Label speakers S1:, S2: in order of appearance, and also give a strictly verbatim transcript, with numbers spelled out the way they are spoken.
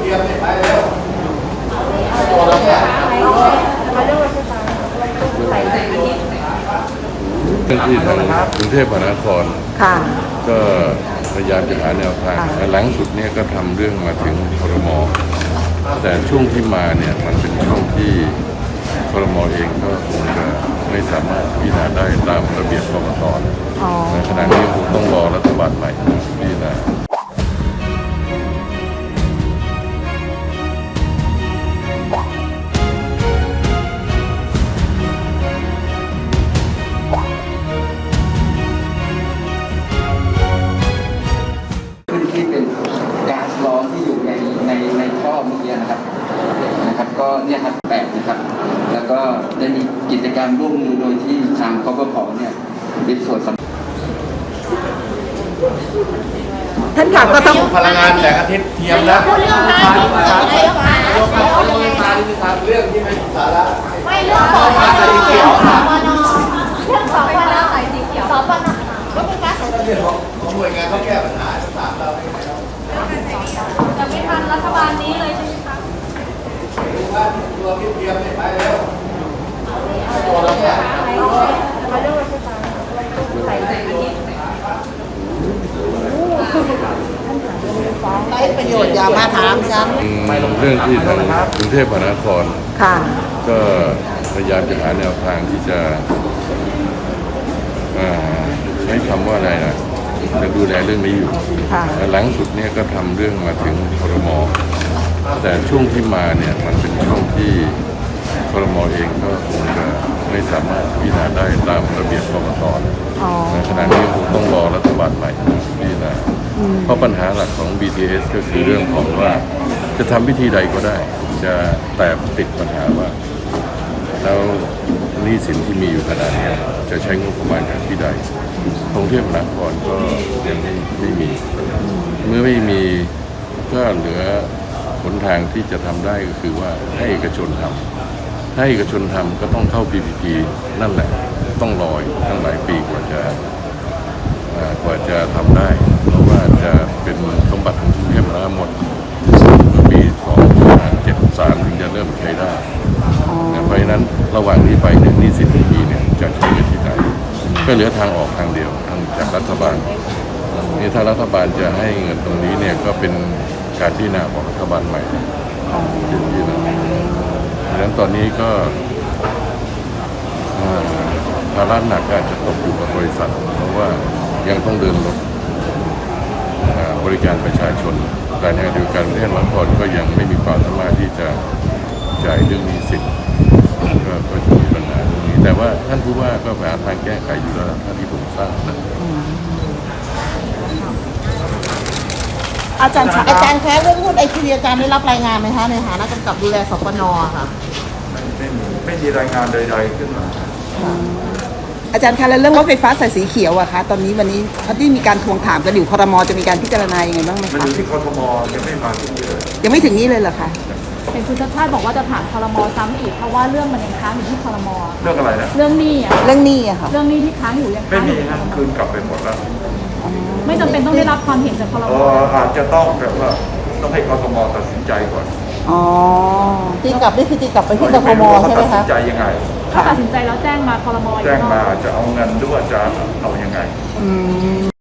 S1: ทียมไปแล้ว
S2: เรื่องที่ทางกรุงเทพมหานคร
S3: ค่ะ
S2: ก็พยายามจะหาแนวทางหลังสุดเนี่ยก็ทำเรื่องมาถึงครม.แต่ช่วงที่มาเนี่ยมันเป็นช่วงที่ครม.เองก็คงจะไม่สามารถพิจารณาได้ตามระเบียบกกต.ในขณะนี้คงต้องรอรัฐบาลใหม่พิจารณา
S4: ที่เป็นก๊าซร้อนที่อยู่ในในในท่อเมื่อกี้นะครับนะครับก็เนี่ยครับแปดนะครับแล้วก็ได้มีกิจกรรมร่วมมือโดยที่ทางกบพ.เนี่ยเป็นส่วนสำคัญ
S3: ท่านค่ะก็ต้อง
S1: พลังงานแสงอาทิตย์เทียมนะเรื่องเรื่องที่ไม่สาระ
S5: ไม่เรื่องของสายสีเขียวสปนเรื่องของปนสายสีเขียวสปนก็เป็นการ
S1: เรื่องของของหน่วยงานเขาแก้ปัญหาจะถามเราได้ไงเรา
S5: จะไม่ทันรัฐบาลนี้เลยใช่ไหมคะ
S1: ดูว่าตัวพี่เทียมไปแล้วตัวเราเนี่ย
S3: ได้ประโยชน์อย่ามาถามฉัน
S2: เรื่องที่ทางกรุงเทพมหานคร
S3: ค่ะ
S2: ก็พยายามจะหาแนวทางที่จะใช้คำว่าอะไรนะจะดูแลเรื่องนี้อยู่
S3: ค่ะ
S2: หลังสุดเนี่ยก็ทำเรื่องมาถึงครม.แต่ช่วงที่มาเนี่ยมันเป็นช่วงที่ครม.เองก็คงจะไม่สามารถพิจารณาได้ตามระเบียบกกต.ในขณะนี้คงต้องรอรัฐบาลใหม่พิจารณาเพราะปัญหาหลักของ บี ที เอส ก็คือเรื่องของว่าจะทำวิธีใดก็ได้จะแต่ติดปัญหาว่าแล้วหนี้สินที่มีอยู่ขนาดนี้จะใช้งบประมาณอย่างที่ใดกรุงเทพมหานครก็ยังไม่ไม่มีเมื่อไม่มีก็เหลือหนทางที่จะทำได้ก็คือว่าให้เอกชนทำให้เอกชนทำก็ต้องเข้า พี พี พี นั่นแหละต้องรอตั้งหลายปีกว่าจะกว่าจะทำได้เพราะว่าจะเป็นสมบัติของกรุงเทพมหานครหมดเมื่อปีสองพันห้าร้อยเจ็ดสิบสามถึงจะเริ่มใช้ได้เพราะฉะนั้นระหว่างนี้ไปเนี่ยหนี้สินที่มีเนี่ยจะใช้กันที่ไหนก็เหลือทางออกทางเดียวทางจากรัฐบาลนี่ถ้ารัฐบาลจะให้เงินตรงนี้เนี่ยก็เป็นการพิจารณาของรัฐบาลใหม่ที่ที่นะเพราะฉะนั้นตอนนี้ก็ภาระหนักอาจจะตกอยู่กับบริษัทเพราะว่ายังต้องเดินรถบริการประชาชนแต่ในขณะเดียวกันประเทศมหานครก็ยังไม่มีความสามารถที่จะจ่ายเรื่องหนี้สินก็จะมีปัญหาตรงนี้แต่ว่าท่านผู้ว่าก็หาทางแก้ไขอยู่แล้วท่านที่ผมทราบนะ
S3: อาจารย์อาจารย์คะเรื่องหุ้นไอทีอาจารย์ได้รับรายงานไหมคะในฐานะกำกับดูแลสปน.ค่ะ
S6: ไม่มีไม่มีรายงานใดๆขึ้นมา
S3: อาจารย์คะแล้วเรื่องรถไฟฟ้าสายสีเขียวอะคะตอนนี้วันนี้ที่มีการทวงถามกันอยู่ครม.จะมีการพิจารณายังไงบ้างไหม
S6: มันอ
S3: คะ
S6: ยู่ที่กทมยังไม่มาที่นี่เลย
S3: ยังไม่ถึงนี้เลยเหรอคะ
S7: เห็นคุณชัชชาติบอกว่าจะถามครม.ซ้ำอีกเพราะว่าเรื่องมันยังค้างอยู่ที่ครม.
S6: เรื่องอะไรนะ
S7: เรื่องหนี้อ่ะ
S3: เรื่องหนี้อะค่ะ
S7: เรื่องหนี้ที่ค้างอยู่ยัง
S6: ไม่
S7: ค้างอ
S6: มี
S7: ยู่ที่ค
S6: นะ
S7: รม.
S6: คืนกลับไปหมดแล้ว
S7: ไม่จำเป็นต้องได้รับความเห็นจากครม.
S6: เอออาจจะต้องแต่ว่าต้องให้กทมตัดสินใจก่อน
S3: อ๋อตีกลับนี่คือตีกลับไปที่กทมใช่ไหม
S6: ตัด
S3: คะ
S6: สินใจยังไง
S7: ถ้าตัดสินใจแล้วแจ้งมาครม.อีก
S6: แจ้ง
S7: รอบ
S6: มาจะเอาเงินหรือว่าจะเอายังไง
S3: อืม